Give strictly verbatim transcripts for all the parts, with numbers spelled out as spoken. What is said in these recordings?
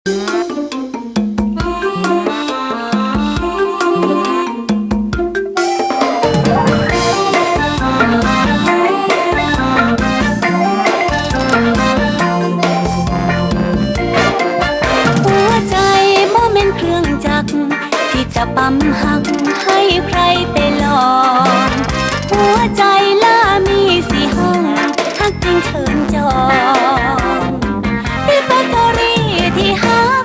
จะปั๊มหักให้ใครไปลองหัวใจล่ามีสี่ห้องหักจริงเชิญจองที่แฟคทอรี่ที่หัก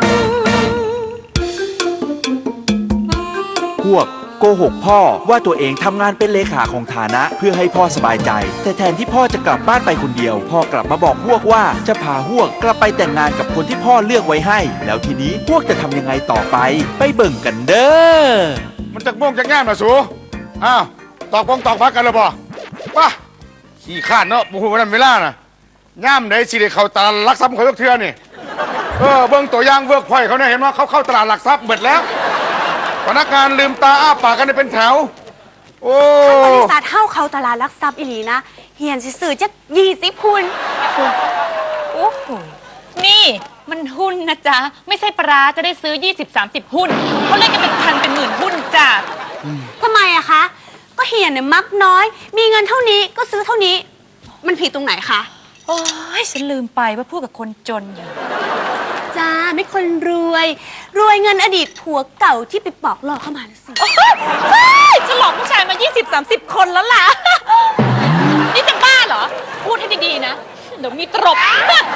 พวกโกหกพ่อว่าตัวเองทำงานเป็นเลขาของฐานะเพื่อให้พ่อสบายใจแต่แทนที่พ่อจะกลับบ้านไปคนเดียวพ่อกลับมาบอกพวกว่าจะพาพวกกลับไปแต่งงานกับคนที่พ่อเลือกไว้ให้แล้วทีนี้พวกจะทำยังไงต่อไปไปเบิ่งกันเด้อมันจะม่วงจะง่ามนะสูอ้าวตอกปองตอกพักกันเลยบ่ป่ะขี้ข้านเนาะบุหัวนั้นเวลาน่ะง่ามไหนสิเดเขาตลาดหลักทรัพย์เขาเทื่อนี่เออเบิ่งตัวอย่างเวิร์กพอยเขาเนี่ยเห็นว่าเขาเข้าตลาดหลักทรัพย์หมดแล้วพนักงานลืมตาอ้าปากกันเป็นแถวโอ้บริษัทเฮ้าเขาตลาดลักทรัพย์อีหลีนะเหียนสื่อจะยี่สิบหุ้นโอ้โหนี่มันหุ้นนะจ๊ะไม่ใช่ปลาจะได้ซื้อ ยี่สิบ สามสิบ หุ้นเขาเล่นกันเป็นพันเป็นหมื่นหุ้นจ้ะทำไมอะคะก็เหียนเนี่ยมักน้อยมีเงินเท่านี้ก็ซื้อเท่านี้มันผิดตรงไหนคะโอ้ยฉันลืมไปว่าพูดกับคนจนอยู่จ้าไม่คนรวยรวยเงินอดีตผัวเก่าที่ไปปอกหลอกเข้ามาแล้วสิฉันหลอกผู้ชายมา ยี่สิบ สามสิบ คนแล้วล่ะนี่จะบ้าเหรอพูดให้ดีๆนะเดี๋ยวมีตรบ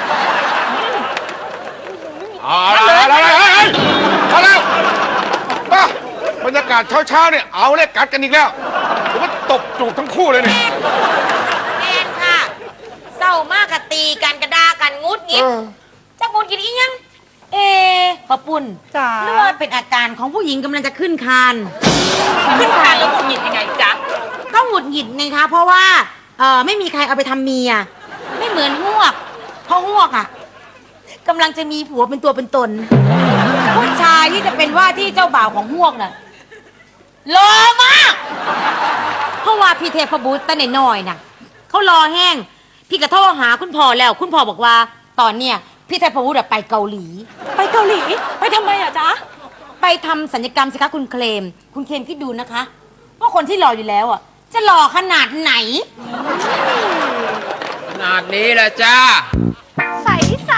อะไรอะไรอะไรอะไรป้าบรรยากาศเช้าๆเนี่ยเอาเล็กกัดกันอีกแล้วผมว่าตบจูบทั้งคู่เลยนี่แม่นค่ะเศร้ามากกะตีกันกระดากันงุดงิดจะงุดงิดอีกยังเอปะปุ่นหรือว่าเป็นอาการของผู้หญิงกำลังจะขึ้นคานขึ้นคานแล้วหงุดหงิดยังไงจ๊ะก็หงุดหงิดไงคะเพราะว่าเออไม่มีใครเอาไปทำเมียไม่เหมือนหวกเพราะหวกอ่ะกำลังจะมีผัวเป็นตัวเป็นตนผู้ชายที่จะเป็นว่าที่เจ้าบ่าวของหวกน่ะรอมากเพราะว่าพี่เทพบุตรตั้งแต่น้อยน่ะเขารอแห้งพี่กระโทรหาคุณพ่อแล้วคุณพ่อบอกว่าตอนเนี้ยพี่เทพบุตรไปเกาหลีไปเกาหลีไปทำไมอะจ๊ะไปทำศัลยกรรมสิคะคุณเคลมคุณเคลมคิดดูนะคะว่าคนที่รออยู่แล้วอ่ะจะหล่อขนาดไหนขนาดนี้แหละจ้าใสใส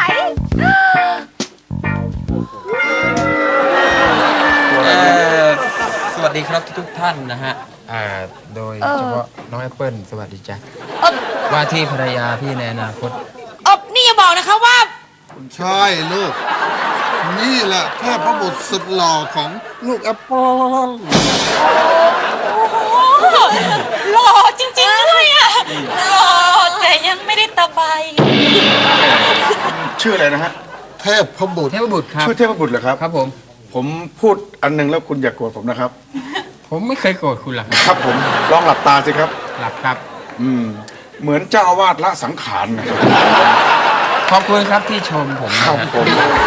สวัสดีครับทุกท่านนะฮะอ่าโดยเฉพาะน้องแอปเปิ้ลสวัสดีจ้ะว่าที่ภรรยาพี่ในอนาคตอบนี่อย่าบอกนะคะว่าใช่ลูกนี่แหละแค่พระบุตรสุดหล่อของลูกแอปเปิ้ลหล่อจริงๆด้วยอ่ะหล่อแต่ยังไม่ได้ตะไบชื่ออะไรนะฮะเทพพบุตรเทพบุตรครับชื่อเทพบุตรเหรอครับครับผมผมพูดอันนึงแล้วคุณอย่าโกรธผมนะครับผมไม่เคยโกรธคุณหรอกครับผมลองหลับตาสิครับหลับครับอืมเหมือนเจ้าอาวาสละสังขารนะครับขอบคุณครับที่ชมผมครับผม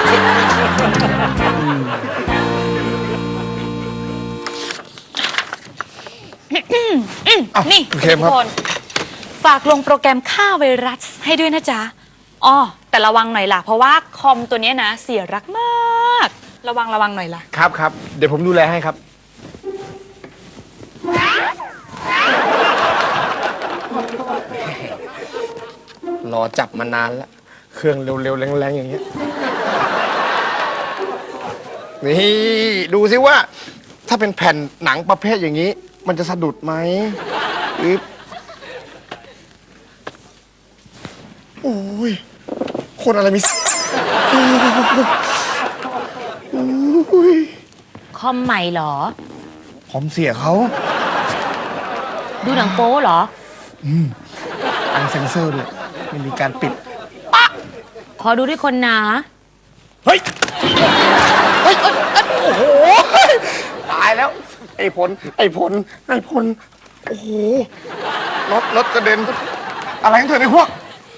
นี่ทุกคนฝากลงโปรแกรมฆ่าไวรัสให้ด้วยนะจ๊ะอ๋อแต่ระวังหน่อยล่ะเพราะว่าคอมตัวนี้นะเสียรักมากระวังระวังหน่อยล่ะครับครับเดี๋ยวผมดูแลให้ครับรอจับมานานแล้วเครื่องเร็วๆแรงๆอย่างเงี้ยนี่ดูสิว่าถ้าเป็นแผ่นหนังประเภทอย่างนี้มันจะสะดุดไหมอึ๊บโอ้ยคนอะไรมีคอมใหม่เหรอคอมเสียเขาดูหนังโป๊เหรออืมอันเซนเซอร์ด้วยไม่มีการปิดขอดูด้วยคนนะเฮ้ยเฮ้ยโอ้โหตายแล้วไอ้ผลไอ้ผลไอ้ผลโอ้โหรถรถกระเด็นอะไรกันเถอะไอ้พวก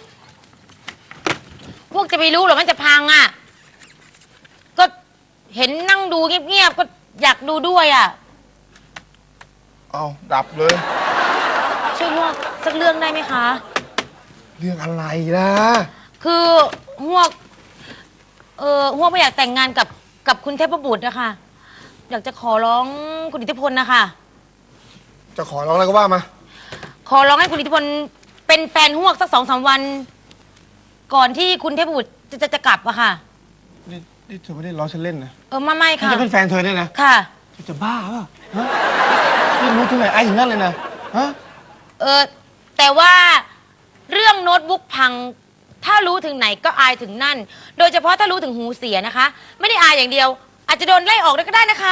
พวกจะไปรู้หรอมันจะพังอ่ะก็เห็นนั่งดูเงียบๆก็อยากดูด้วยอ่ะเอาดับเลยช่วยพวกสักเรื่องได้ไหมคะเรื่องอะไรล่ะคือพวกเออหัวไม่อยากแต่งงานกับกับคุณเทพบุตรนะคะอยากจะขอร้องคุณอิทธิพลนะคะจะขอร้องอะไรก็ว่ามาขอร้องให้คุณอิทธิพลเป็นแฟนหวกสักสองสามวัน ก่อนที่คุณเทพบุตรจะจะจะกลับอะค่ะนี่นี่เธอไม่ได้ล้อฉันเล่นนะเออไม่ไม่ฉันค่ะจะเป็นแฟนเธอเนี่ยนะค่ะเธอจะบ้าเปล่ะฮะนี่รู้ที่ไหนไอ้ถึงนั่นเลยนะฮะเออแต่ว่าเรื่องโน้ตบุ๊กพัง ถ้ารู้ถึงไหนก็อายถึงนั่น โดยเฉพาะถ้ารู้ถึงหูเสียนะคะ ไม่ได้อายอย่างเดียว อาจจะโดนไล่ออกได้ก็ได้นะคะ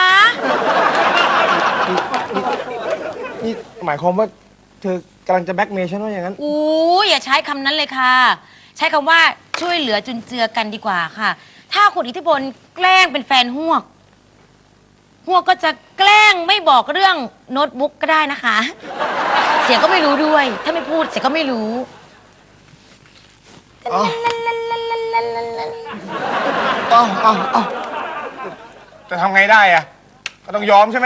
นี่หมายความว่าเธอกำลังจะแบล็กเมย์ฉันว่าอย่างนั้นอู้อย่าใช้คำนั้นเลยค่ะ ใช้คำว่าช่วยเหลือจุนเจือกันดีกว่าค่ะ ถ้าคุณอิทธิพลแกล้งเป็นแฟนหวกหวกก็จะแกล้งไม่บอกเรื่องโน้ตบุ๊กก็ได้นะคะ เสียก็ไม่รู้ด้วย ถ้าไม่พูดเสียก็ไม่รู้เอาเอาเอาเอาจะทำไงได้อะก็ต้องยอมใช่ไหม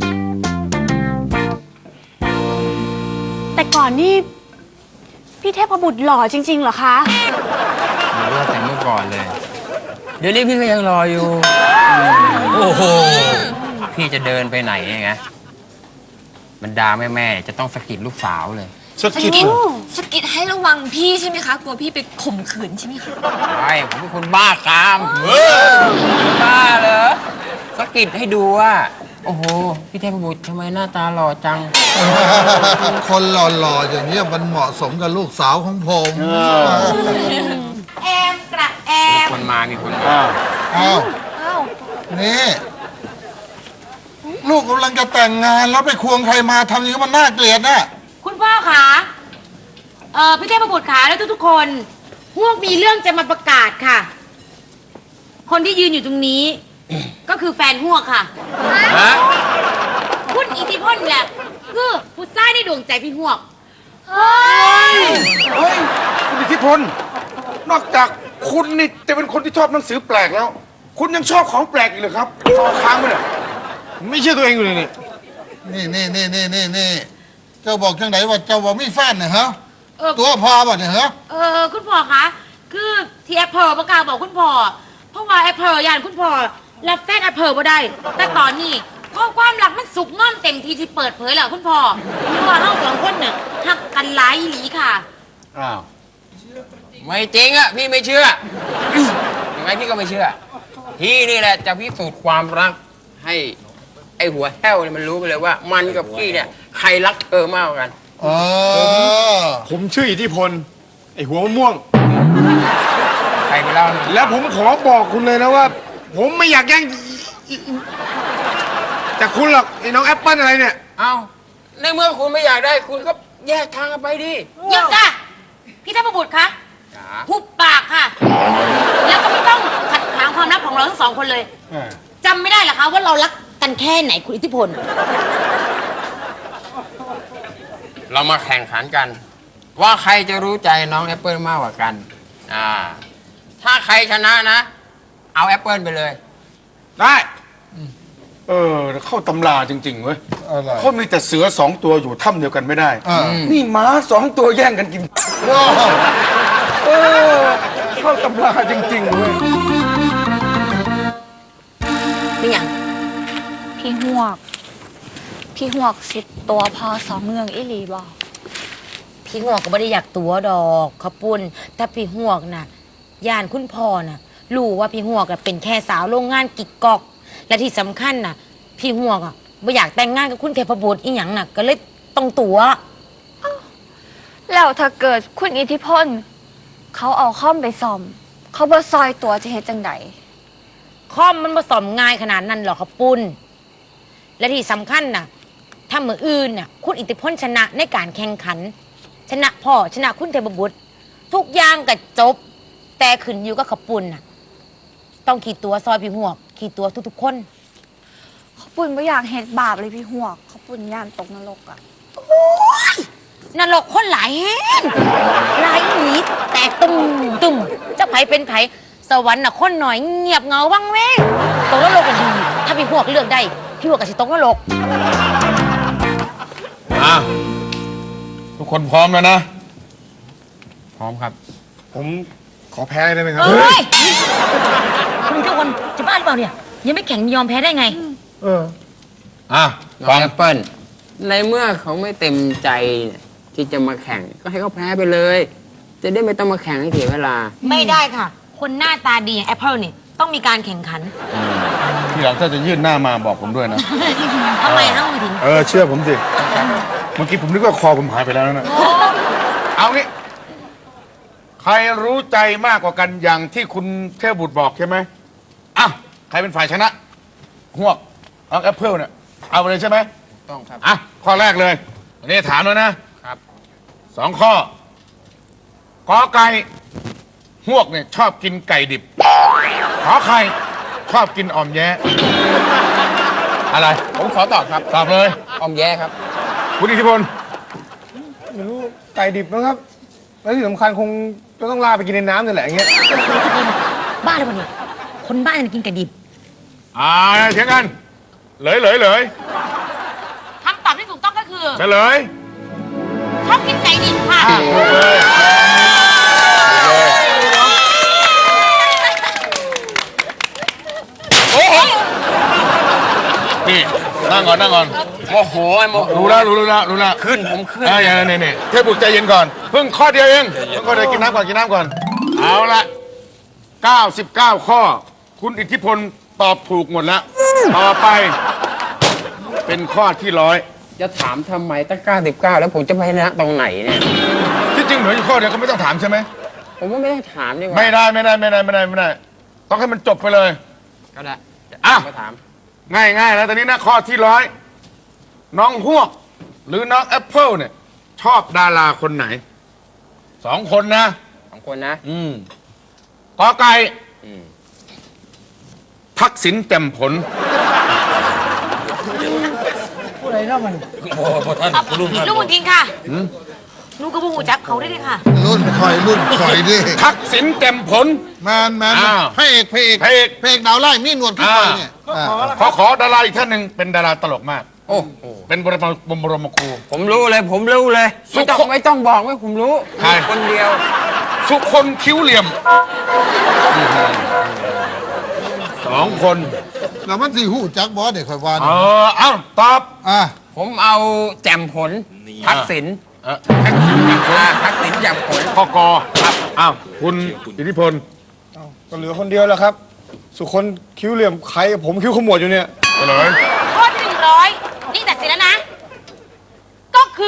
แต่ก่อนนี่พี่เทพบุตรหล่อจริงๆเหรอคะเลือกแต่เมื่อก่อนเลย เดี๋ยวนี้พี่ก็ยังรออยู่ โอ้โห พี่จะเดินไปไหนไงบรรดาแม่แม่ๆจะต้องสะกิดลูกสาวเลยสกิดเหรอสกิดให้ระวังพี่ใช่ไหมคะ กลัวพี่ไปข่มขืนใช่ไหมคะใช่ผมเป็นคนบ้ากามบ้าเหรอสะกิดให้ดูว่า โอ้โห พี่เทพบุตรทำไมหน้าตาหล่อจังคนหล่อๆอย่างนี้ยมันเหมาะสมกับลูกสาวของผมแอมกระแอมคนมามีคนมาอ้าวนี่ ลูกกำลังจะแต่งงานแล้วไปควงใครมาทำอย่างนี้มันน่าเกลียดนะคุณพ่อคะเออพี่เทพบุตรขาและทุกๆคนพวกมีเรื่องจะมาประกาศค่ะ คนที่ยืนอยู่ตรงนี้ ก็คือแฟนหวกค่ะฮะคุณอิทธิพลแหละคือผู้ชายในดวงใจพี่หวกเฮ้ยคุณอิทธิพล นอกจากคุณนี่จะเป็นคนที่ชอบหนังสือแปลกแล้ว คุณยังชอบของแปลกอีกเหรอครับซอค้างไปเนี่ยไม่เชื่อตัวเองอยู่เลยนี่นี่นี่นี่นี่นี่นี่เจ้าบอกจังไหนว่าเจ้าบอกมีแฟนเนี่ยฮะเออตัวพอป่ะเนี่ยฮะเออคุณพ่อคะคือที่แอปเปิลประกาศบอกคุณพ่อเพราะว่าแอปเปิลยานคุณพ่อรับแฟนแอปเปิลบ่ได้ แต่ตอนนี้ข้อความรักมันสุกง่อนเต็มทีที่เปิดเผยแล้วคุณพ่อเพราะว่าเราสองคนเนี่ยหักกันหลายอีหลีค่ะอ้าวไม่จริงอะพี่ไม่เชื่อ ยังไงพี่ก็ไม่เชื่อ พี่นี่แหละจะพิสูจน์ความรักให้ไอ้หัวแห้วเนี่ยมันรู้ไปเลยว่า มันกับพี่เนี่ยใครรักเธอมากกว่ากันเออผมชื่ออิทธิพล ไอหัวมะม่วงใครไปเล่าหน่อยแล้วผมขอบอกคุณเลยนะว่า ผมไม่อยากแย่งจากคุณหรอกไอ้น้องแอปเปิ้ลอะไรเนี่ยเอ้าในเมื่อคุณไม่อยากได้คุณก็แยกทางกันไปดิหยุดค่ะพี่เทพบุตรคะจ๋าหุบปากค่ะ แล้วก็ไม่ต้องขัดขวางความรักของเราทั้งสองคนเลยจำไม่ได้เหรอคะว่าเรารักกันแค่ไหนคุณอิทธิพลเรามาแข่งขันกัน ว่าใครจะรู้ใจน้องแอปเปิลมากกว่ากัน อ่า ถ้าใครชนะนะ เอาแอปเปิลไปเลยได้ เออ เข้าตำราจริง ๆ เว้ยอะไรเขามีแต่เสือสองตัวอยู่ถ้ำเดียวกันไม่ได้อ่านี่ม้าสองตัวแย่งกันกินว้าวเออ เข้าตำราจริง ๆ เว้ยเป็นอย่างพี่หวก พี่หวกสิตัวพอสองเมืองอิลีบอกพี่หวกก็ไม่ได้อยากตัวดอกขาวปุ้นแต่พี่หวกน่ะย่านคุณพ่อน่ะรู้ว่าพี่หวกอะเป็นแค่สาวโรงงานกิกกอก และที่สำคัญน่ะ พี่หวกอ่ะไม่อยากแต่งงานกับคุณเทพบุตรอีหยังน่ะก็เลยต้องตัวแล้วถ้าเกิดคุณอิทธิพล เขาเอาข้อมไปซ่อม เขาบ่ซอยตัวจะเฮ็ดจังใดคอมมันผสมง่ายขนาดนั้นหรอกครับปุ้น และที่สำคัญน่ะ ถ้ามืออื่นน่ะ คุณอิทธิพลชนะในการแข่งขัน ชนะพ่อชนะคุณเทพบุตร ทุกอย่างก็จบ แต่ขึ้นอยู่กับขปุ้นน่ะ ต้องขี่ตัวซอยพี่หวกขี่ตัวทุกๆคนเขาปุ่นไม่อยากเฮ็ดบาปเลยพี่หวก เขาปุ่นย่านตกนรกอ่ะนรกคนหลายแห้งหลายหนีแตกตุ่มตุ่มจะไผเป็นไผสวรรค์น่ะคนหน่อยเงียบเหงาวังเว้งตกนรกก็ดี ถ้าพี่หวกเลือกได้ พี่หวกก็สิตกนรกอ่ะ ทุกคนพร้อมแล้วนะพร้อมครับผมขอแพ้ได้ไหมครับเฮ้ยคุณทุกคนจะบ้าหรือเปล่าเนี่ย ยังไม่แข่งยอมแพ้ได้ไงเอออ่ะน้องแอปเปิ้ลในเมื่อเขาไม่เต็มใจที่จะมาแข่งก็ให้เขาแพ้ไปเลย จะได้ไม่ต้องมาแข่งให้เสียเวลาไม่ได้ค่ะ คนหน้าตาดีอย่างแอปเปิลเนี่ยต้องมีการแข่งขันทีหลังถ้าจะยื่นหน้ามาบอกผมด้วยนะทำไมฮะคุณถึงเออ เชื่อผมสิ เมื่อกี้ผมนึกว่าคอผมหายไปแล้วนะ เอางี้ ใครรู้ใจมากกว่ากันอย่างที่คุณเทพบุตรบอกใช่ไหมอ่ะใครเป็นฝ่ายชนะหวกเอาแอปเปิลเนี่ย เอาไปเลยใช่ไหมต้องครับอ่ะ ข้อแรกเลย อันนี้ถามแล้วนะครับ สองข้อกอไก่หวกเนี่ยชอบกินไก่ดิบ ขอไข่ชอบกินอ่อมแย้ อะไรผมขอตอบครับตอบเลยออมแย่ครับคุณอิทธิพลไม่รู้ไก่ดิบนะครับ แล้วที่สำคัญคงจะต้องลาไปกินในน้ำนี่แหละอย่างเงี้ยบ้าหรือเปล่าเนี่ย คนบ้าจะกินไก่ดิบอ่าเถียงกัน เลยเลยเลยคำตอบที่ถูกต้องก็คือเฉลยชอบกินไก่ดิบค่ะถูกเลยโอ้โหนี่นั่งก่อนนั่งก่อนโมโหไอ้โมโหรู้แล้วรู้แล้วรู้แล้วขึ้นผมขึ้นเอ้ยอย่างนี้นี่เทพบุตรใจเย็นก่อน เพิ่งข้อเดียวเองเพิ่งข้อเดียวกินน้ำก่อนกินน้ำก่อน เอาละเก้าสิบเก้าข้อ คุณอิทธิพลตอบถูกหมดแล้ว ต่อไป เป็นข้อที่ร้อยจะถามทำไมตั้งเก้าสิบเก้าแล้วผมจะไปชนะตรงไหนเนี่ยที่จริงเหลืออยู่ข้อเดียวก็ไม่ต้องถามใช่ไหมผมว่าไม่ต้องถามดีกว่าไม่ได้ไม่ได้ไม่ได้ไม่ได้ไม่ได้ ต้องให้มันจบไปเลยก็ได้อ่ะมาถามง่ายง่ายแล้วตอนนี้นะข้อที่ร้อยน้องฮวก หรือน้องแอปเปิลเนี่ย ชอบดาราคนไหนสองคนนะสองคนนะอืมกอไก่อืมทักษิณแจ่มผลลูกมึงกินค่ะลูกก็พูดจับเขาได้เลยค่ะรุ่นคอยรุ่นคอยดิทักษิณแจ่มผลแมนแมนอ้าวพระเอกพระเอกพระเอกพระเอกดาวไล่มีหนวดพี่คอยเนี่ยอ่าขอขอดาราอีกท่านหนึ่งเป็นดาราตลกมากโอ้โหเป็นบรมบรมบรมครูผมรู้เลย ผมรู้เลยสุไม่ขต้องไม่ต้องบอกว่าผมรู้ใครมีคนเดียวสุคนคิ้วเหลี่ยมสองคนแล้วมันสีหูจักบอสเด็กคอยว่าเอเนี่ยอเอ้าตอบอ่ะผมเอาแจ่มผล ทักษิณเออทักษิณแจ่มผลอ่าทักษิณแจ่มผลข้อกอครับอ้าวคุณอิทธิพลก็เหลือคนเดียวแล้วครับ สุคนคิ้วเหลี่ยมใครกับผมคิ้วขมวดอยู่เนี่ยเฉลยข้อที่หนึ่งร้อยนี่ตัดสินแล้วนะ ก็คือ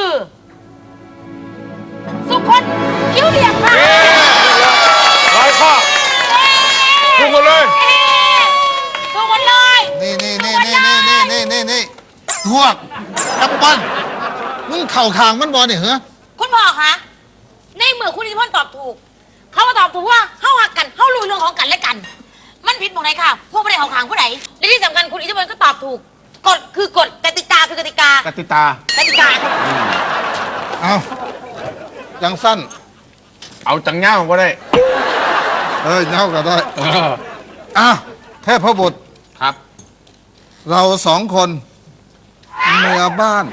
สุคนคิ้วเหลี่ยมค่ะร้อยข้อถูกหมดเลยถูกหมดเลยนี่นี่นี่นี่นี่นี่นี่นี่พวกแอปเปิ้ลมึงเข่าทางมันบอลเนี่ยเหรอคุณพ่อคะในเมื่อคุณอิทธิพลตอบถูก เขามาตอบถูกว่าเข้าหักกันเข้ารู้เรื่องของกันและกัน มันผิดตรงไหนค่ะ พวกไม่ได้เขาขางผู้ใดและที่สำคัญคุณอิทธิพลก็ตอบถูก กฎคือกฎกติกาคือกติกากติตากติกาเอายังสั้นเอาจังเง่าก็ได้เอ้ยเน่าก็ได้เอออ่ะเทพบุตรครับเราสองคนเมียบ้าน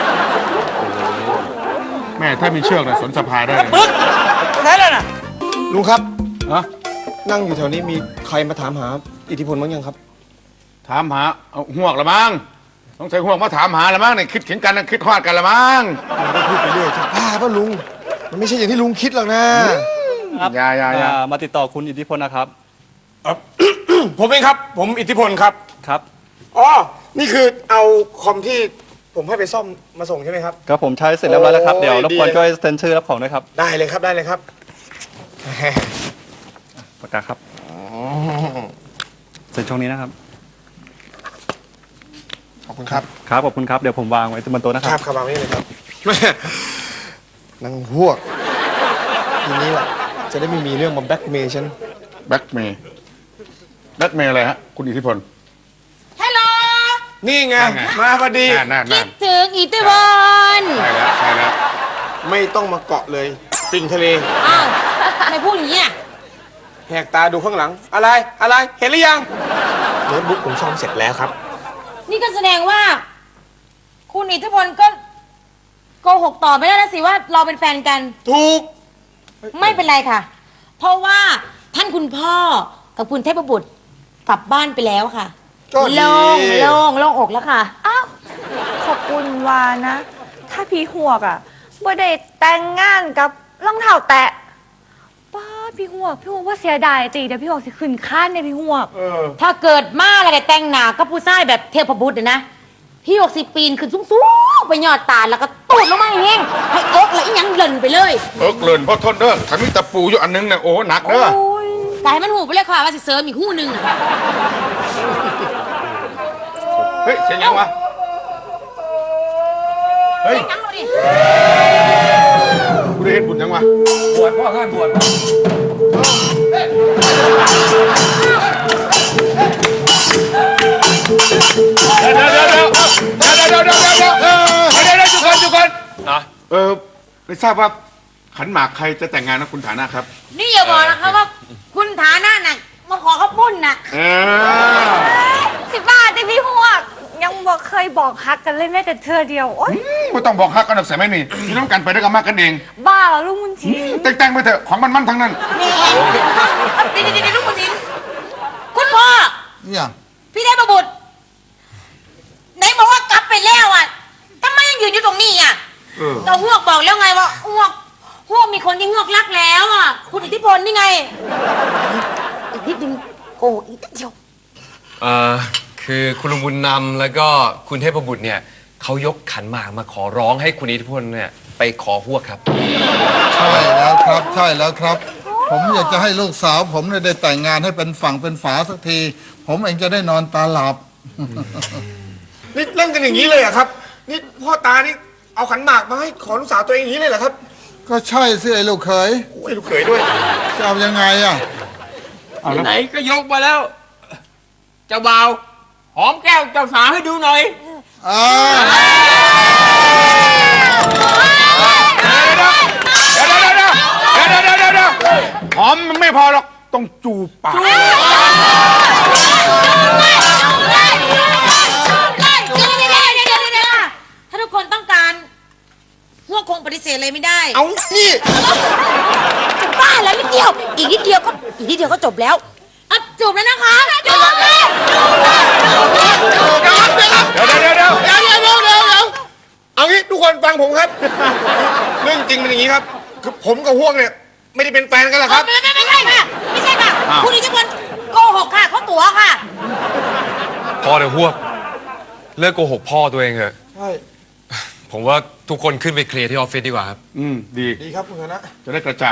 แม่ถ้ามีเชือกนะสนสะพายได้เลยลุงครับฮะนั่งอยู่แถวนี้มีใครมาถามหาอิทธิพลบ้างยังครับถามหาเอาห่วงละมั้งต้องใช้ห่วงมาถามหาละมั้งเนี่ยคิดเข็นกันนะคิดคลอดกันละมั้งลุงก็พูดไปเรื่อยจะบ้าป่ะลุง มันไม่ใช่อย่างที่ลุงคิดหรอกนะอย่าอย่าอย่าอ่ามาติดต่อคุณอิทธิพลนะครับผมเองครับ ผมอิทธิพลครับครับอ๋อ นี่คือเอาคอมที่ผมให้ไปซ่อมมาส่งใช่ไหมครับก็ผมใช้เสร็จเรียบร้อยแล้วครับโอ้ยเดี๋ยวรบกวนดีช่วยเซ็นชื่อรับของด้วยครับได้เลยครับ ได้เลยครับปากกาครับเซ็นช่วงนี้นะครับขอบคุณครับครับ ขอบคุณครับ เดี๋ยวผมวางไว้บนโต๊ะนะคครัรับ บครับวางไว้เลยครับ นางพวก ทีนี้แหละจะได้ไม่มีเรื่องมาแบล็กเมย์ฉันแบ็กเมย์แบ็กเมย์อะไรฮะคุณอิทธิพลฮัลโหลนี่ไงนั่นไงมาพอดีนั่นนั่นคินั่ดนถึงอิทธิพลใช่แล้วใช่แล้วไม่ต้องมาเกาะเลย ปิงทะเลอ้าวทำไมพูดอย่างนี้อ่ะแหกตาดูข้างหลัง อะไร อะไร เห็นหรือยังโน้ตบุ๊กผมซ่อมเสร็จแล้วครับนี่ก็แสดงว่า คุณอิทธิพลก็โกหกต่อไม่ได้แล้วสิว่าเราเป็นแฟนกันถูกไม่เป็นไรค่ะเพราะว่าท่านคุณพ่อกับคุณเทพบุตรกลับบ้านไปแล้วค่ะก็ดีโล่งโล่งโล่งอกแล้วค่ะอ้าว ขอบคุณวานะ ถ้าพี่หวกอ่ะบ่ได้แต่งงานกับรองเท้าแตะป้าพี่หวกพี่หวกว่าเสียดายจีเดี๋ยวพี่หวกสิขึ้นค้านในพี่หวกถ้าเกิดมาอะไรกับแต่งหนาก็ผู้ชายแบบเทพบุตรเนี่ยนะพี่หกสิบปีนขึ้นสูงๆไปยอดตาลแล้วก็ตูดลงมาแห้งๆให้อกแล้วอีหยังเล่นไปเลยเอิกเลินเพราะทนเด้อถ้ามีตะปูอยู่อันนึงเนี่ยโอ้หนักเด้อกายมันหูไปเลยค่ะว่าสิเสริมอีกคู่หนึ่งอะเฮ้ยเสียงยังวะเฮ้ยยังเราดิกูได้เห็นบุญยังวะบวชพ่อเคยบวชเดี๋ยวเดี๋ยวเดี๋ยวเดี๋ยวเดี๋ยวเดี๋ยวเดี๋ยวเดี๋ยวเดี๋ยวเดี๋ยวเดี๋ยวจุกคนจุกคนนะเออไม่ทราบว่าขันหมากใครจะแต่งงานนะคุณฐานะครับนี่อย่าบอกนะคะว่าคุณฐานะน่ะมาขอเขาปุ้นน่ะเออสิบบาทแต่พี่หวกยังบอกเคยบอกฮักกันเลยแม้แต่เธอเดียวโอ๊ยไม่ต้องบอกฮักกันหรอกใส่ไม่นี่พี่น้องกันไปด้วยกันมากกันเองบ้าเหรอลุงมุนทีแต่งแต่งไปเถอะของมันมันทั้งนั้นเดี๋ยวเดี๋ยวเดี๋ยวลูกคุณทินคุณพ่อเนี่ยพี่ได้ประบุตรไหนบอกว่ากลับไปแล้วอ่ะทำไมยังยืนอยู่ตรงนี้อ่ะเออเราหวกบอกแล้วไงว่าหวกหวกมีคนที่หวกรักแล้วอ่ะคุณอิทธิพลนี่ไงอีกนิดนึงโกหกอีกนิดเดียวเอ่อคือคุณลุงบุญนำแล้วก็คุณเทพบุตรเนี่ยเขายกขันหมากมาขอร้องให้คุณอิทธิพลเนี่ยไปขอพวกครับใช่แล้วครับ ใช่แล้วครับ ผมอยากจะให้ลูกสาว ผมเนี่ยได้แต่งงานให้เป็นฝั่งเป็นฝาสักที ผมเองจะได้นอนตาหลับนี่เล่นกันอย่างนี้เลยเหรอะครับ นี่พ่อตานี่เอาขันหมากมาให้ขอลูกสาวตัวเองอย่างนี้เลยเหรอครับก็ใช่สิไอ้ลูกเขยโอ้ยลูกเขยด้วยจะเอายังไงอ่ะไหนก็ยกมาแล้ว เจ้าบ่าวหอมแก้วเจ้าสาวให้ดูหน่อยอ่าเดี๋ยวเดี๋ยวเดี๋ยวเดี๋ยวเดี๋ยวเดี๋ยวเดี๋ยวเดี๋ยวหอมมันไม่พอหรอกต้องจูบปากเดี๋ยวเดี๋ยวเดี๋ยวถ้าทุกคนต้องการหวกคงปฏิเสธเลยไม่ได้เอานี่บ้าแล้วนิดเดียว อีกนิดเดียวก็อีกนิดเดียวก็จบแล้วอ่ะจบแล้วนะคะจบแล้วเดี๋ยวเดี๋ยวเดี๋ยวเดี๋ยวเดี๋ยวเดี๋ยวเดี๋ยวเดี๋ยวเอางี้ทุกคนฟังผมครับ เรื่องจริงเป็นอย่างนี้ครับ คือผมกับพวกเนี่ยไม่ได้เป็นแฟนกันหรอกครับไม่ไม่ไม่ใช่ค่ะ ไม่ใช่ค่ะ คุณอิทธิพลโกหกค่ะเขาตั๋วค่ะพ่อเดี๋ยวพวกเลิกโกหกพ่อตัวเองเถอะใช่ผมว่าทุกคนขึ้นไปเคลียร์ที่ออฟฟิศดีกว่าครับอืมดีดีครับคุณคณะจะได้กระจ่าง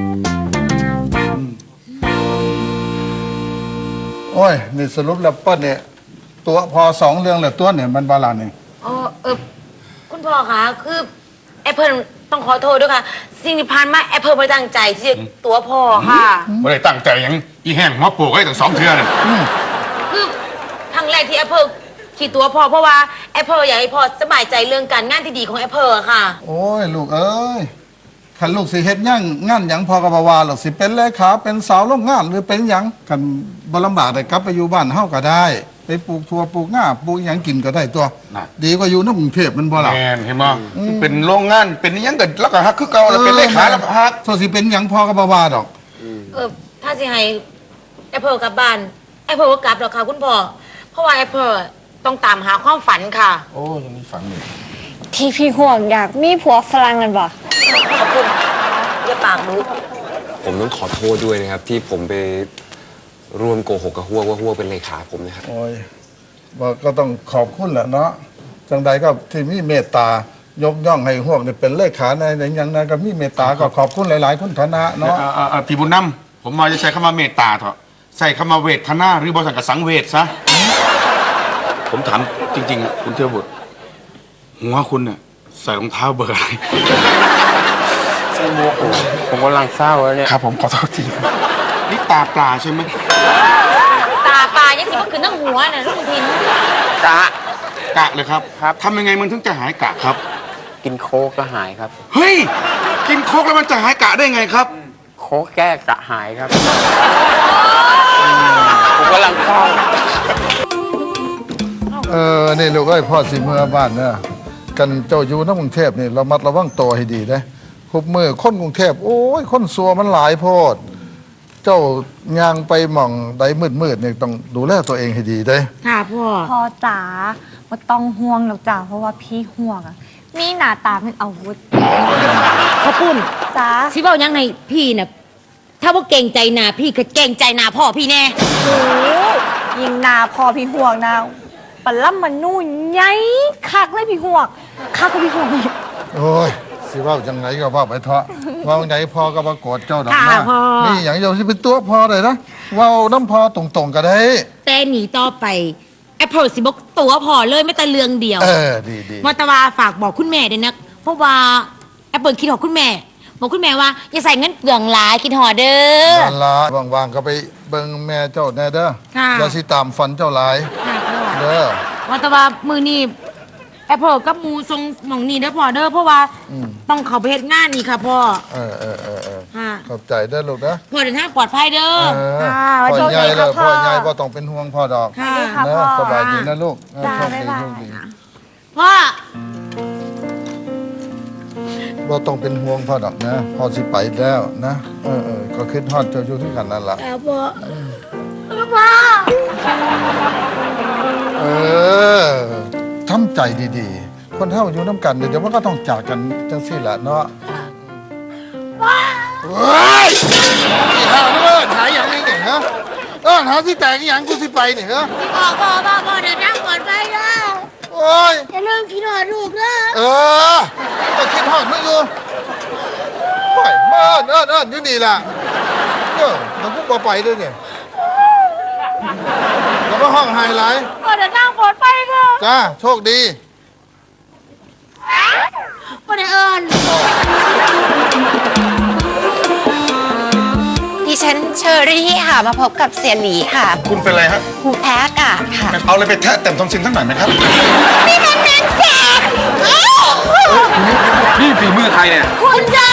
โอ้ย นี่สรุปแล้วเปิ้ลเนี่ย ตัวพอสองเรื่องเหลือตัวเนี่ยมันบาลานซ์เนี่ยเออเออคุณพ่อคะคือแอปเปิลต้องขอโทษด้วยค่ะ สิ่งที่ผ่านมาแอปเปิลไม่ตั้งใจที่จะตัวพ่อค่ะไม่ได้ตั้งใจหยังอีแห้งหัวโปกไว้ตั้งสองเทือน่ะคือครั้งแรกที่แอปเปิลขี่ตัวพ่อเพราะว่าแอปเปิลอยากให้พ่อสบายใจเรื่องการงานที่ดีของแอปเปิลอะค่ะโอ้ย ลูกเอ้ยขันลูกสิเฮ็ดหยั่งงานหยังพอกบวาหรอกสิเป็นเลขาเป็นสาวโรงงานหรือเป็นหยังกันบ่ลำบากได้กลับไปอยู่บ้านเฮาก็ได้ ไปปลูกถั่วปลูกงาปลูกหยังกินก็ได้ตัว ดีกว่าอยู่ในกรุงเทพมันบ่ล่ะแมนเห็นมั้ยเป็นโรงงานเป็นอิหยังกันแล้วก็ฮักคือเก่าแล้วเป็นเลขาแล้วก็ฮักโซสิเป็นหยังพอกบวาดอกเออถ้าสิให้แอปเปิลกลับบ้านแอปเปิลก็กลับหรอกค่ะคุณพ่อเพราะว่าแอปเปิลต้องตามหาความฝันค่ะโอ้ยังมีฝังอยู่ที่พี่หวกอยากมีผัวฝรั่งกันบ่ขอบคุณอย่าปากรู้ผมต้องขอโทษด้วยนะครับ ที่ผมไปร่วมโกหกกับฮัวว่าฮัวเป็นเลขาผมนะครับโอ้ยบอกก็ต้องขอบคุณแหละเนาะจังใดก็ที่มีเมตตายกย่องให้พวกนี่เป็นเลขาในในอย่างนั้นก็มีเมตตาก็ขอบคุณหลายๆคุณฐานะเนาะเอ่อเอ่อเอ่อพี่บุญนำผมมาจะใช้คำว่าเมตตาเถอะใส่คำว่าเวทนาหรือบริษัทกับสังเวชซะ ผมถามจริงๆอะคุณเทพบุตรหัวคุณเนี่ยใส่รองเท้าเบอร์อะไรใส่หมวกผมกำลังเศร้าแล้วเนี่ยครับผมขอโทษทีนี่ตาปลาใช่ไหมตาปลายังสิมันขึ้นตั้งหัวน่ะลูกทินกะกะเลยครับครับทำยังไงมันถึงจะหายกะครับกินโคกก็หายครับเฮ้ย กินโคกแล้วมันจะหายกะได้ไงครับโคกแก้กะหายครับ ผมกำลังเศร้าเออนี่ลูกเอ้ยพ่อสิเมื่อบ้านเนอะกันเจ้าอยู่ในกรุงเทพนี่ระมัดระวังตัวให้ดีนะคุบมือคนกรุงเทพโอ้ยคนซัวมันหลายโพดเจ้าย่างไปหม่องใดมืดๆเนี่ยต้องดูแลตัวเองให้ดีเด้ค่ะพ่อพ่อจ๋าว่าต้องห่วงหรอกจ้าเพราะว่าพี่ห่วงอะมีหน้าตาเป็นอาวุธขอบคุณจ้าสิเว้ายังไงพี่น่ะถ้าว่าเก่งใจนาพี่ก็เก่งใจนาพ่อพี่แน่โอ้ยิงหนาพอพี่ห่วงนะปลาล่ำมันนู่นไงคักเลยพี่ห่วงคักก็พี่ห่วงอีกโอ้ยสิเว่าจังไงก็เว่าไปเถอะเว่าไงพอก็มาโกรธเจ้าดอกค่ะนะพ่อนี่อย่างเดียวที่เป็นตัวพอเลยนะเว่าน้ำพอตรงๆก็ได้แต่หนีต่อไปแอปเปิลสิบอกตัวพ่อเลยไม่แต่เรื่องเดียวเออดีดีมอตวาฝากบอกคุณแม่ด้วยนะเพราะว่าแอปเปิลคิดหอดคุณแม่บอกคุณแม่ว่าอย่าใส่เงินเปลืองหลายคิดหอดเด้อนั่นละว่างๆก็ไปเบิ่งแม่เจ้าแน่เด้อค่ะอย่าสิตามฝันเจ้าหลายค่ะพ่อเด้อมอตวามือนี่แอปเปิลกับหมูทรงหมองนี่เด้อพ่อเด้อเพราะว่าอืมต้องเขาไปเฮ็ดงานนี่ค่ะพ่อเออเออเออเออค่ะขอบใจเด้อลูกนะพ่อเดินทางปลอดภัยเด้อเออค่ะไว้พ่โชอคใหญ่ดีเลค่ะยพ่พ่ออใหญ่พ่อต้องเป็นห่วงพ่อดอกค่ะค่ะนะพ่อสบายดีนะลูกเออจ้าโชคดีบ๊ายบายโชคดีพ่อบ่ต้องเป็นห่วงพ่อดอกนะพ่อสิไปแล้วนะเออเออก็คิดฮอดเจ้าอยู่ที่กันนั่นล่ะแอปเปิลพ่อเออทำใจดีๆ คนเท่าอยู่น้ำกันเดี๋ยวมันก็ต้องจากกันจังสี่แหละเนาะเฮ้ยหาเอิ้นหาอย่างนี้เนี่ยฮะเออหาที่แตกอหย่างกูสิไปเนี่ยฮะพ่อพ่อพ่อพ่อเดินทางปลอดภัยเด้อโอ้ยอย่าลืมคิดหอดลูกเด้อเออก็คิดฮอดมึงอยู่โอ้ยมาเอิ้นเอิ้นเอิ้นอยู่นี่ล่ะเออมันกูบ่ไปด้วยเนี่ยแล้วก็ห้องไฮไลท์พ่อเดินทางปลอดภัยค่ะจ้าโชคดีพ่อได้เอิญดิฉันเชอรี่ค่ะ มาพบกับเสียหลีค่ะคุณเป็นอะไรฮะผู้แพ้อากาศค่ะเอาอะไรไปแทะเต็มทอมซินสักหน่อยไหมครับนี่ฝีมือใครเนี่ยคุณชา